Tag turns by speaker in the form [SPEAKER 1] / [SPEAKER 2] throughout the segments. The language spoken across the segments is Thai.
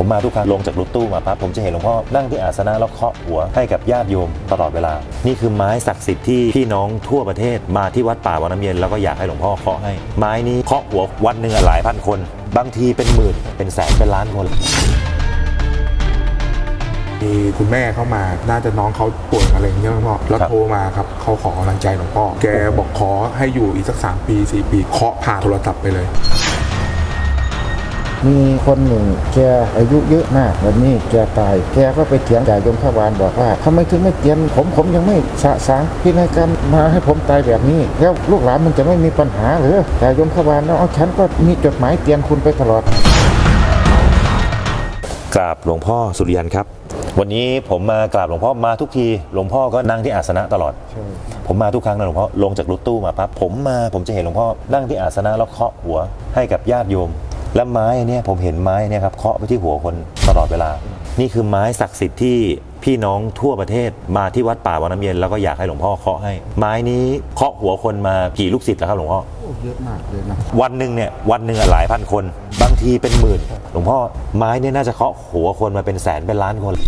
[SPEAKER 1] ผมมาทุกครั้งลงจากรถตู้มาปั๊บผมจะเห็นหลวงพ่อนั่งที่อาสนะแล้วเคาะหัวให้กับญาติโยมตลอดเวลานี่คือไม้ศักดิ์สิทธิ์ที่พี่น้องทั่วประเทศมาที่วัดป่าวังน้ำเย็นแล้วก็อยากให้หลวงพ่อเคาะให้ไม้นี้เคาะหัววันหนึ่งหลายพันคนบางทีเป็นหมื่นเป็นแสนเป็นล้านคน
[SPEAKER 2] มีคุณแม่เข้ามาน่าจะน้องเขาป่วยอะไรอย่างเงี้ยหลวงพ่อแล้วโทรมาครับเขาขอกำลังใจหลวงพ่อแกบอกขอให้อยู่อีกสัก3 ปี4 ปีเคาะผ่าโทรศัพท์ไปเลย
[SPEAKER 3] มีคนหนึ่งแกอายุเยอะมากวันนี้แกตายแกก็ไปเถียงจ่ายยมพบาลบอกว่าทำไมถึงไม่เตียนผมยังไม่สะสางพินัยกรรมมาให้ผมตายแบบนี้แล้วลูกหลานมันจะไม่มีปัญหาหรือจ่ายยมพบาลแล้วฉันก็มีจดหมายเตียนคุณไปตลอด
[SPEAKER 1] กราบหลวงพ่อสุริยันครับวันนี้ผมมากราบหลวงพ่อมาทุกทีหลวงพ่อก็นั่งที่อาสนะตลอดผมมาทุกครั้งนะหลวงพ่อลงจากรถตู้มาปั๊บผมจะเห็นหลวงพ่อนั่งที่อาสนะแล้วเคาะหัวให้กับญาติโยมและไม้เนี่ยผมเห็นไม้เนี่ยครับเคาะไปที่หัวคนตลอดเวลานี่คือไม้ศักดิ์สิทธิ์ที่พี่น้องทั่วประเทศมาที่วัดป่าวังน้ำเย็นแล้วก็อยากให้หลวงพ่อเคาะให้ไม้นี้เคาะหัวคนมากี่ลูกศิษย์แล้วครับหลวงพ่อ
[SPEAKER 3] เยอะมากเลยนะ
[SPEAKER 1] วันหนึ่งหลายพันคนบางทีเป็นหมื่นหลวงพ่อไม้เนี่ยน่าจะเคาะหัวคนมาเป็นแสนเป็นล้านคน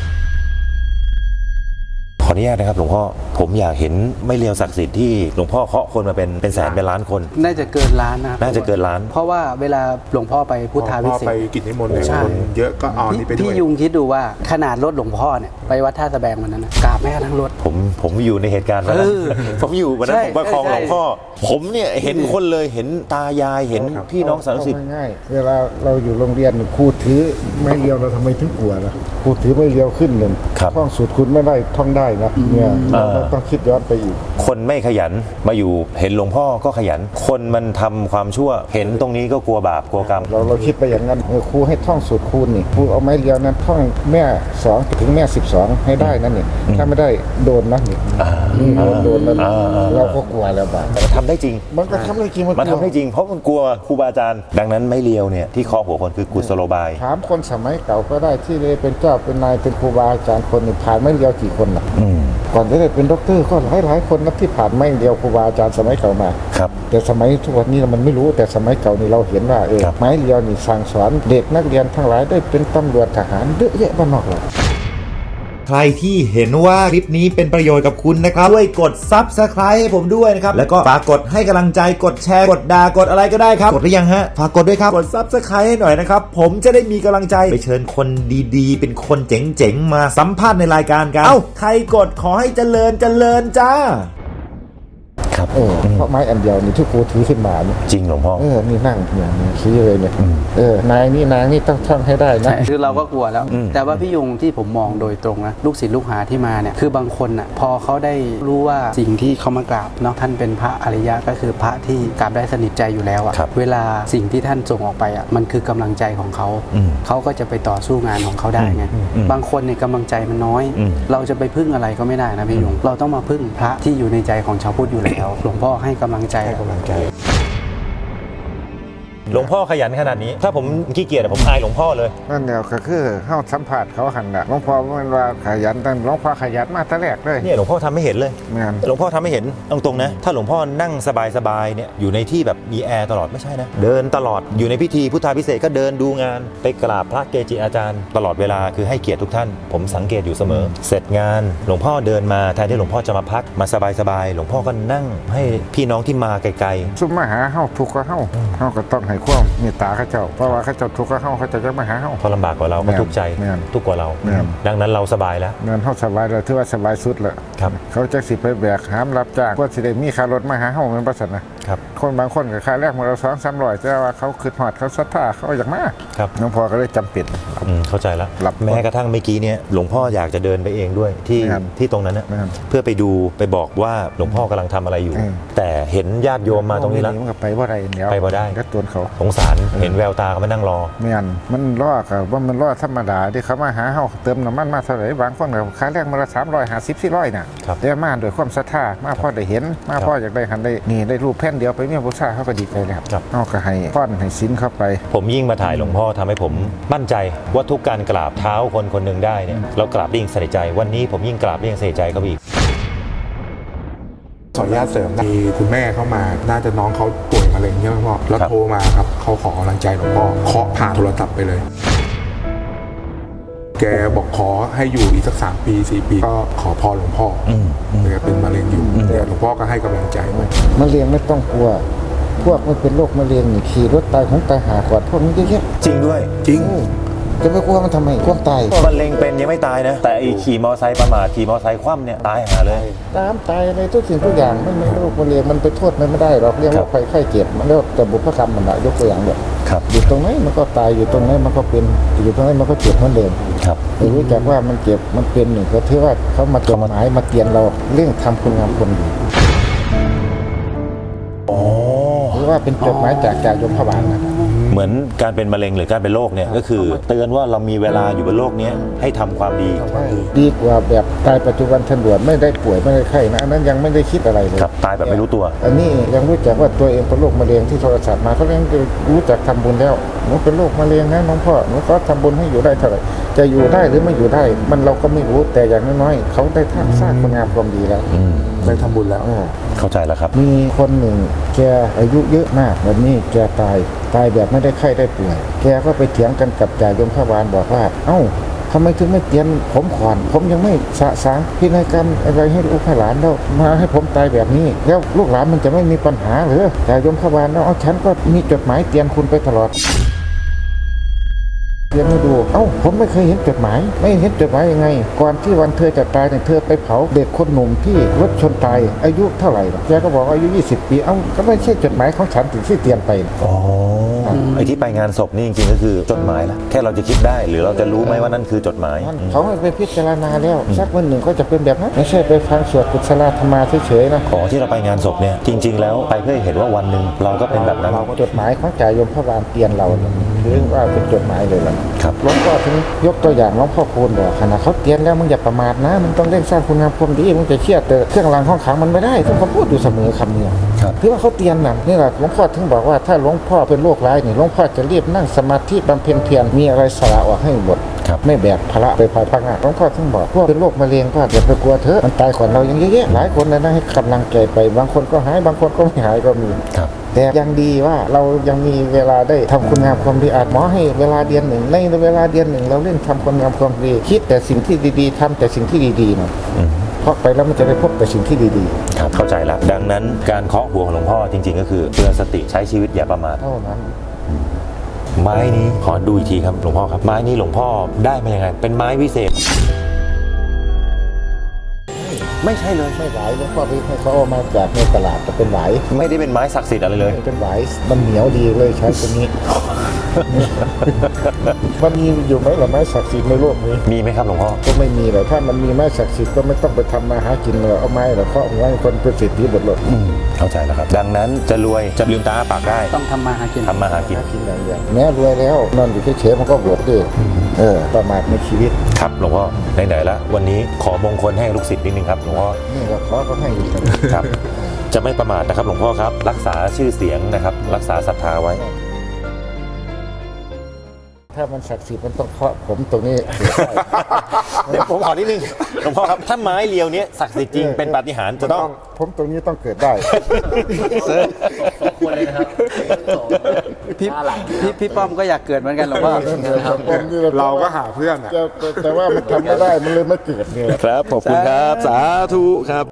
[SPEAKER 1] ขออนุญาตนะครับหลวงพ่อผมอยากเห็นไม่เลียวศักดิ์สิทธิ์ที่หลวงพ่อเคาะคนมาเป็นแสนเป็นล้านคน
[SPEAKER 4] น่าจะเกินล้านนะ
[SPEAKER 1] น่าจะเกินล้าน
[SPEAKER 4] เพราะว่าเวลาหลวงพ่อไปพุทธาพิเศษ
[SPEAKER 2] ไปกิจนิมนต์เลยคนเยอะก็เอานี่ไปด้วย
[SPEAKER 4] พี่ยุงคิดดูว่าขนาดรถหลวงพ่อเนี่ยไปวัดท่าสะแบงวันนั้นนะกราบแม่ทั้งรถ
[SPEAKER 1] ผมอยู่ในเหตุการณ์นั้นผมอยู่วันนั้นผมประคองหลวงพ่อผมเนี่ยเห็นคนเลยเห็นตายายเห็นพี่น้องสารสิทธิ์
[SPEAKER 3] ง่ายเวลาเราอยู่โรงเรียนครูถือไม่เลียวเราทำไมถึงกลัวล่ะครูถือไม่เลียวขึ้นเลยท่องสูตรคุณไม่ได้ท่องได้นะเนี่ยเราต้องคิดย้อนไปอีก
[SPEAKER 1] คนไม่ขยันมาอยู่เห็นหลวงพ่อก็ขยันคนมันทำความชั่วเห็นตรงนี้ก็กลัวบาปกลัวกรรม
[SPEAKER 3] เราคิดไปอย่างนั้นครูให้ท่องสูตรคูณนี่ครูเอาไม้เลียวนั้นท่องแม่2ถึงแม่12ให้ได้นั่นนี่ถ้าไม่ได้โดนนะนี่โดนแล้วเราก็กลัวแล้วบาป
[SPEAKER 1] แต่ทำได้จริง
[SPEAKER 3] มันก็ทำได้จริง
[SPEAKER 1] มันทำได้จริงเพราะมันกลัวครูบาอาจารย์ดังนั้นไม่เลียวเนี่ยที่เคาะหัวคนคือกุศโลบาย
[SPEAKER 3] ถามคนสมัยเก่าก็ได้ที่เลยเป็นเจ้าเป็นนายเป็นครูบาอาจารย์คนหนึ่งผ่านไม่เลียวกี่คนล่ะก่อนจะได้เป็นด็อกเตอร์ก็หลายคนนะที่ผ่านไม่เลียวครูบาอาจารย์สมัยเก่ามา
[SPEAKER 1] ครับ
[SPEAKER 3] แต่สมัยทุกวันนี้มันไม่รู้แต่สมัยเก่านี่เราเห็นว่าไม้เลียวนี่สั่งสอนเด็กนักเรียนทั้งหลายได้เป็นตำรวจทหารเยอะแยะบ้านนอกเลย
[SPEAKER 5] ใครที่เห็นว่าคลิปนี้เป็นประโยชน์กับคุณนะครับช่วยกด Subscribe ให้ผมด้วยนะครับแล้วก็ฝากกดให้กำลังใจกดแชร์กดด่ากดอะไรก็ได้ครับกดหรือยังฮะฝากกดด้วยครับกด Subscribe ให้หน่อยนะครับผมจะได้มีกำลังใจไปเชิญคนดีๆเป็นคนเจ๋งๆมาสัมภาษณ์ในรายการกันใครกดขอให้เจริญจ้า
[SPEAKER 1] ครับ
[SPEAKER 3] เพราะไม้อันเดียวนี่ที่ครูถือขึ้นมานี่
[SPEAKER 1] จริงหลวงพ่อ
[SPEAKER 3] นี่นั่งอย่างนี้ชี้เลยเนี่ยนางนี่ต้องท่องให้ได้นะ
[SPEAKER 4] คือเราก็กลัวแล้วแต่ว่าพี่ยุงที่ผมมองโดยตรงนะลูกศิษย์ลูกหาที่มาเนี่ยคือบางคนอ่ะพอเขาได้รู้ว่าสิ่งที่เขามากราบเนาะท่านเป็นพระอริยะก็คือพระที่กราบได้สนิทใจอยู่แล้วอ่ะเวลาสิ่งที่ท่านส่งออกไปอ่ะมันคือกำลังใจของเขาเขาก็จะไปต่อสู้งานของเขาได้ไงบางคนเนี่ยกำลังใจมันน้อยเราจะไปพึ่งอะไรก็ไม่ได้นะพี่ยุงเราต้องมาพึ่งพระที่อยู่ในใจของชาวพุทธอยู่แล้วหลวงพ่อให้กำลังใจ
[SPEAKER 1] หลวงพ่อขยันขนาดนี้ถ้าผมขี้เกียจผมอายหลวงพ่อเลย
[SPEAKER 3] นั่นเดียวก็คือเข้าสัมผัสเขาหันละหลวงพ่อมันว่าขยันตั้งหลวงพ่อขยันมาตั้งแรกเลย
[SPEAKER 1] เนี่ยหลวงพ่อทำไม่เห็นเลยหลวงพ่อทำไม่เห็นตรงๆนะถ้าหลวงพ่อนั่งสบายๆเนี่ยอยู่ในที่แบบมีแอร์ตลอดไม่ใช่นะเดินตลอดอยู่ในพิธีพุทธาพิเศษก็เดินดูงานไปกราบพระเกจิอาจารย์ตลอดเวลาคือให้เกียรติทุกท่านผมสังเกตอยู่เสมอเสร็จงานหลวงพ่อเดินมาแทนที่หลวงพ่อจะมาพักมาสบายๆหลวงพ่อก็นั่งให้พี่น้องที่มาไกล
[SPEAKER 3] ๆซุ่มมาหาเฮาทุกข์ก็เฮาก็ต้องให้ความเมตตาเขาเจ้าเพราะว่าเขาจะทุกข์ก็เขาจะมาหาเขา
[SPEAKER 1] ลำบากกว่าเราก็ทุกข์ใจทุกข์กว่าเราดังนั้นเราสบายแล้ว
[SPEAKER 3] เงินเขาสบายเลยถือว่าสบายสุดเลยเขาจะสิไปแบกหามรับจ้างว่าสิได้มีค่ารถมาหาเขาเป็นประสนะคนบางคนกับค่าแรกมาเรา200-300แต่ว่าเขาคืดหอดเขาศรัทธาเขาอยากมาหลวงพ่อก็เลยจำเป็น
[SPEAKER 1] เข้าใจแล้วแม้กระทั่งเมื่อกี้เนี่ยหลวงพ่ออยากจะเดินไปเองด้วยที่ตรงนั้นเพื่อไปดูไปบอกว่าหลวงพ่อกำลังทำอะไรอยู่แต่เห็นญาติโยมมาตรงนี้แล้ว
[SPEAKER 3] ไปว่าไรเดี๋ยว
[SPEAKER 1] ไปบ่ได้
[SPEAKER 3] ก็ตัวเขา
[SPEAKER 1] สงสารเห็นแววตาเขามานั่งรอ
[SPEAKER 3] มันรอกับว่ามันรอธรรมดาที่เขามาหาเขาเติมน้ำมันมาเท่าไหร่บางคนกับค่าแรกมาละ350-400น่ะเดี๋ยวมาโดยความศรัทธามาพ่อได้เห็นมาพ่ออยากได้หันได้นี่ได้รูปแผ่นเดียวไปเมียบูชาเขาก็ดีใจแล้วเขาก็ให้ป้อนให้สินเข้าไป
[SPEAKER 1] ผมยิ่งมาถ่ายหลวงพ่อทำให้ผมมั่นใจว่าทุกการกราบเท้าคนคนหนึ่งได้เนี่ยเรากราบได้ยิ่งใส่ใจวันนี้ผมยิ่งกราบได้ยิ่งใส่ใจเขาอีก
[SPEAKER 2] ขออนุญาตเสริมมีคุณแม่เข้ามาน่าจะน้องเขาป่วยมะเร็งใช่ไหมพ่อแล้วโทรมาครับเขาขอกำลังใจหลวงพ่อเคาะผ่าโทรศัพท์ไปเลยแกบอกขอให้อยู่อีกสัก3 ปี4 ปีก็ขอพรหลวงพ่อแกเป็นมะเร็งอยู่แต่หลวงพ่อก็ให้กำลังใจไว้
[SPEAKER 3] มะเร็งไม่ต้องกลัว พวกมันเป็นโรคมะเร็งนี่ขี่รถตายของตายหาก่อนพวกนี้เยอะแยะ
[SPEAKER 1] จริงด้วย
[SPEAKER 2] จริง
[SPEAKER 3] จะไปกลัวมันทำไมกลัวตาย
[SPEAKER 1] มะเร็งเป็นยังไม่ตายนะ แต่ไอ้ขี่มอไซค์ประมาทขี่มอไซค์คว่ำเนี่ยตายหาเลย
[SPEAKER 3] ตามตายอะไรทุกสิ่งทุกอย่างไม่มีโรคมะเร็งมันไปโทษมันไม่ได้หรอกเรียกว่าไข้เจ็บมันเรียกว่าแต่บุพกรรมมันอะยกตัวอย่างแบบ
[SPEAKER 1] ครับ
[SPEAKER 3] อยู่ตรงไหนมันก็ตายอยู่ตรงไหนมันก็เป็นอยู่ตรงไหนมันก็เจ็บเหมือนเดิม
[SPEAKER 1] ครับ
[SPEAKER 3] แต่รู้จักว่ามันเจ็บมันเป็นหนึ่งก็ถือว่าเขามาจดหมายมาเตือนเราเรื่องทำคุณงามความดีหรือว่าเป็นจดหมายจากยมพบาลนะ
[SPEAKER 1] เหมือนการเป็นมะเร็งหรือการเป็นโรคเนี่ยก็คือเตือนว่าเรามีเวลาอยู่บนโลกนี้ให้ทำความดี
[SPEAKER 3] ดีกว่าแบบตายปัจจุบันทันด่วนไม่ได้ป่วยไม่ได้ไข้นะอันนั้นยังไม่ได้คิดอะไรเลย
[SPEAKER 1] ครับตายแบบไม่รู้ตัว
[SPEAKER 3] อันนี้ยังรู้จักว่าตัวเองเป็นโรคมะเร็งที่โทรศัพท์มาเขาเรียกรู้จักทำบุญแล้วหนูเป็นโรคมะเร็งนะน้องพ่อหนูก็ทำบุญให้อยู่ได้เท่าไหร่จะอยู่ได้หรือไม่อยู่ได้มันเราก็ไม่รู้แต่อย่างน้อยๆเขาได้สร้างคุณงามความดีแล้ว
[SPEAKER 2] ได้ทำบุญแล้ว
[SPEAKER 1] เข้าใจแล้วครับ
[SPEAKER 3] มีคนหนึ่งแกอายุเยอะมากวันนี้แกตายแบบไม่ได้ไข้ได้ป่วยแกก็ไปเถียงกันกับจ่ายมพบาลบอกว่าเอ้าทำไมถึงไม่เตียนผมก่อนผมยังไม่สะสางพินัยกรรมอะไรให้ลูกให้หลานแล้วมาให้ผมตายแบบนี้แล้วลูกหลานมันจะไม่มีปัญหาหรือจ่ายมพบาลแล้วเอาฉันก็มีจดหมายเตือนคุณไปตลอดเรียนให้ดูเอ้าผมไม่เคยเห็นจดหมายไม่เห็นจดหมายยังไงก่อนที่วันเธอจะตายเนี่ยเธอไปเผาเด็กคนหนุ่มที่รถชนตายอายุเท่าไหร่แกก็บอกอายุ20 ปีเอ้าก็ไม่ใช่จดหมายของฉันถึงที่เตรียมไป
[SPEAKER 1] อ๋อไอ้ที่ไปงานศพนี่จริงๆก็คือจดหมายละแค่เราจะคิดได้หรือเราจะรู้ไหมว่านั่นคือจดหมาย
[SPEAKER 3] เขาให้ไปพิจารณาแล้วสักวันหนึ่งก็จะเป็นแบบนั้นไม่ใช่ไปฟังสวดกุศลธรรมาเฉยๆนะ
[SPEAKER 1] อ๋อที่เราไปงานศพเนี่ยจริง ๆ แล้วไปเพื่อเห็นว่าวันหนึ่งเราก็เป็นแบบนั้น
[SPEAKER 3] เราจดหมายของจ่ายมพบาลเตียนเราเนี่ยถือว่าเป็นจดหมายเลยล่ะ
[SPEAKER 1] ครับ
[SPEAKER 3] หลวงพ่อถึงยกตัวอย่างหลวงพ่อคูณบอกขณะเขาเตียนแล้วมึงอย่าประมาทนะมึงต้องเร่งสร้างคุณงามความดีมึงจะเชื่อแต่เครื่องรางของขลังมันไม่ได้ทุกคนพูดอยู่เสมอคำนี้
[SPEAKER 1] ครับ
[SPEAKER 3] ถือว่าเขาเตียนน่ะนี่แหละหลวงพ่อถึงบอกว่าถ้าหลวงพ่อเป็นโรคร้ายนี่หลวงพ่อจะรีบนั่งสมาธิบำเพ็ญเพียรมีอะไรสละออกให้หมด
[SPEAKER 1] ครับ
[SPEAKER 3] ไม่แบกภาระไปภายภาคหน้าหลวงพ่อถึงบอกพวกเป็นโรคมะเร็งก็อย่าไปกลัวเถอะมันตายก่อนเรายังเยอะแยะหลายคนเลยนะให้กำลังใจไปบางคนก็หายบางคนก็ไม่หายก็มี
[SPEAKER 1] ครับ
[SPEAKER 3] แต่ยังดีว่าเรายังมีเวลาได้ทำคุณงามความดีอาจหมอให้เวลาเดือนหนึ่งในเวลาเดือนหนึ่งเราเล่นทำคุณงามความดีคิดแต่สิ่งที่ดีๆทำแต่สิ่งที่ดีๆนะเพราะไปแล้วมันจะได้พบแต่สิ่งที่ดี
[SPEAKER 1] ครับเข้าใจแล้วดังนั้นการเคาะหัวของหลวงพ่อจริง ๆ ก็คือเตือนสติใช้ชีวิตอย่าประมาท
[SPEAKER 3] ๆเท่านั้น
[SPEAKER 1] ไม้นี้ขอดูอีกทีครับหลวงพ่อครับไม้นี้หลวงพ่อได้มายังไงเป็นไม้วิเศษ ไม่ใช่เลย
[SPEAKER 3] ไม่ไหวหลวงพ่อไปให้เขาเอามาจากในตลาดจะเป็นไหว
[SPEAKER 1] ไม่ได้เป็นไม้ศักดิ์สิทธิ์อะไรเลย
[SPEAKER 3] เป็นไหวมันเหนียวดีเลยใช้ตัวนี้ มันมีอยู่ไหมล่ะไม้ศักดิ์สิทธิ์ในโลกนี้
[SPEAKER 1] มีไหมครับหลวงพ่อ
[SPEAKER 3] ก็ไม่มีเลยถ้ามันมีไม้ศักดิ์สิทธิ์ก็ไม่ต้องไปทำมาหากินเลยเอาไม้แล้วเคาะหัวให้คนเป็นเศรษฐีหมดเลย
[SPEAKER 1] เข้าใจแล้วครับดังนั้นจะรวยจะลืมตาอ้าปากได้
[SPEAKER 4] ต้องทำมาหากิน
[SPEAKER 1] ทำมาหากิน
[SPEAKER 3] หากินอย่างเดียวแม้รวยแล้วนอนอยู่เฉยๆมันก็บวชดิประมาทในชีวิต
[SPEAKER 1] ครับหลวงพ่อไหนๆละวันนี้ขอมงคลให้ลูกศิษย์นิดนึงครับหลวงพ่อ
[SPEAKER 3] นี่ก็ขอก็ให้อยู่กัน
[SPEAKER 1] ครับ จะไม่ประมาทนะครับหลวงพ่อครับ รักษาชื่อเสียงนะครับ รักษาศรัทธาไว้
[SPEAKER 3] ถ้ามันศักดิ์สิทธิ์มันต้องเคาะผมตรงนี้
[SPEAKER 1] เดี๋ยวผมขอนิดนึงหลวงพ่อครับถ้าไม้เรียวเนี้ยศักดิ์สิทธิ์จริงเป็นปาฏิหาริย์จะต้อง
[SPEAKER 3] ผมตรงนี้ต้องเกิดได้
[SPEAKER 4] ควรเลยนะครับพี่ป้อมก็อยากเกิดเหมือนกันหรอกว่า
[SPEAKER 2] เราก็หาเพื่อนอะ
[SPEAKER 3] แต่ว่ามันทำไม่ได้มันเลยไม่เกิดเนี่ย
[SPEAKER 1] ครับขอบคุณครับสาธุครับ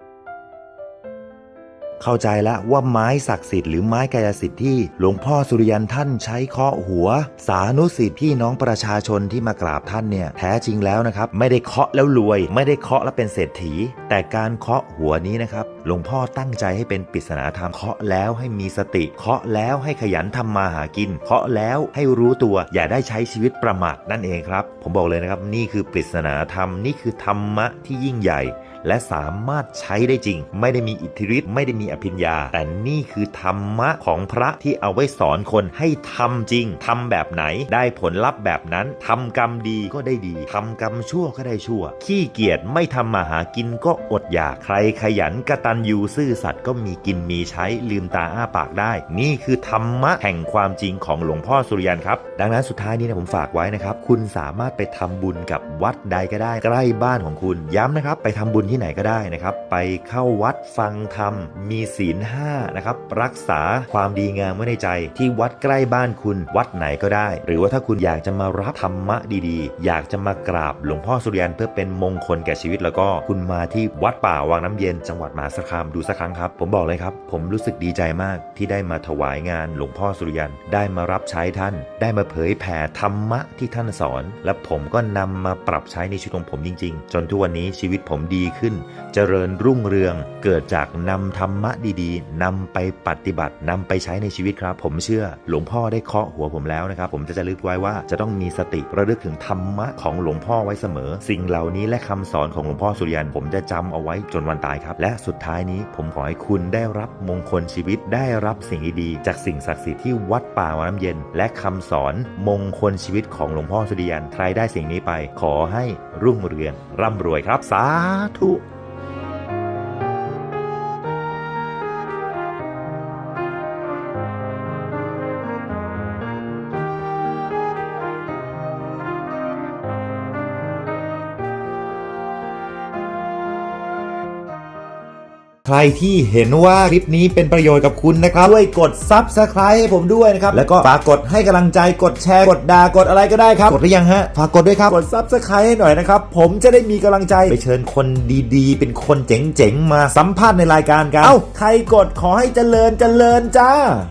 [SPEAKER 5] เข้าใจแล้วว่าไม้ศักดิ์สิทธิ์หรือไม้กายสิทธิ์ที่หลวงพ่อสุริยันท่านใช้เคาะหัว สานุสิทธิ์พี่น้องประชาชนที่มากราบท่านเนี่ยแท้จริงแล้วนะครับไม่ได้เคาะแล้วรวย ไม่ได้เคาะแล้วเป็นเศรษฐี แต่การเคาะหัวนี้นะครับหลวงพ่อตั้งใจให้เป็นปริศนาธรรมเคาะแล้วให้มีสติเคาะแล้วให้ขยันทำมาหากินเคาะแล้วให้รู้ตัวอย่าได้ใช้ชีวิตประมาทนั่นเองครับผมบอกเลยนะครับนี่คือปริศนาธรรมนี่คือธรรมะที่ยิ่งใหญ่และสามารถใช้ได้จริงไม่ได้มีอิทธิฤทธิ์ไม่ได้มีอภิญญาแต่นี่คือธรรมะของพระที่เอาไว้สอนคนให้ทำจริงทำแบบไหนได้ผลลัพธ์แบบนั้นทำกรรมดีก็ได้ดีทำกรรมชั่วก็ได้ชั่วขี้เกียจไม่ทำมาหากินก็อดอยากใครขยันกตัญญูซื่อสัตย์ก็มีกินมีใช้ลืมตาอ้าปากได้นี่คือธรรมะแห่งความจริงของหลวงพ่อสุริยันครับดังนั้นสุดท้ายนี้นะผมฝากไว้นะครับคุณสามารถไปทำบุญกับวัดใดก็ได้ใกล้บ้านของคุณย้ำนะครับไปทำบุญ
[SPEAKER 1] ที่ไหนก็ได้นะครับไปเข้าวัดฟังธรรมมีศีล 5นะครับรักษาความดีงามไว้ในใจที่วัดใกล้บ้านคุณวัดไหนก็ได้หรือว่าถ้าคุณอยากจะมารับธรรมะดีๆอยากจะมากราบหลวงพ่อสุริยันเพื่อเป็นมงคลแก่ชีวิตแล้วก็คุณมาที่วัดป่าวังน้ำเย็นจังหวัดมหาสารคามดูสักครั้งครับผมบอกเลยครับผมรู้สึกดีใจมากที่ได้มาถวายงานหลวงพ่อสุริยันได้มารับใช้ท่านได้มาเผยแผ่ธรรมะที่ท่านสอนและผมก็นำมาปรับใช้ในชีวิตของผมจริงๆจนทุกวันนี้ชีวิตผมดีขึ้นเจริญรุ่งเรืองเกิดจากนำธรรมะดีๆนำไปปฏิบัตินำไปใช้ในชีวิตครับผมเชื่อหลวงพ่อได้เคาะหัวผมแล้วนะครับผมจะระลึกไว้ว่าจะต้องมีสติระลึกถึงธรรมะของหลวงพ่อไว้เสมอสิ่งเหล่านี้และคำสอนของหลวงพ่อสุริยันผมจะจำเอาไว้จนวันตายครับและสุดท้ายนี้ผมขอให้คุณได้รับมงคลชีวิตได้รับสิ่งดีๆจากสิ่งศักดิ์สิทธิ์ที่วัดป่าวังน้ำเย็นและคำสอนมงคลชีวิตของหลวงพ่อสุริยันใครได้สิ่งนี้ไปขอให้รุ่งเรืองร่ำรวยครับสาธุ
[SPEAKER 5] ใครที่เห็นว่าคลิปนี้เป็นประโยชน์กับคุณนะครับช่วยกด Subscribe ให้ผมด้วยนะครับแล้วก็ฝากกดให้กำลังใจกดแชร์กดด่ากดอะไรก็ได้ครับกดหรือยังฮะฝากกดด้วยครับกด Subscribe ให้หน่อยนะครับผมจะได้มีกำลังใจไปเชิญคนดีๆเป็นคนเจ๋งๆมาสัมภาษณ์ในรายการกันเอ้าใครกดขอให้เจริญจ้า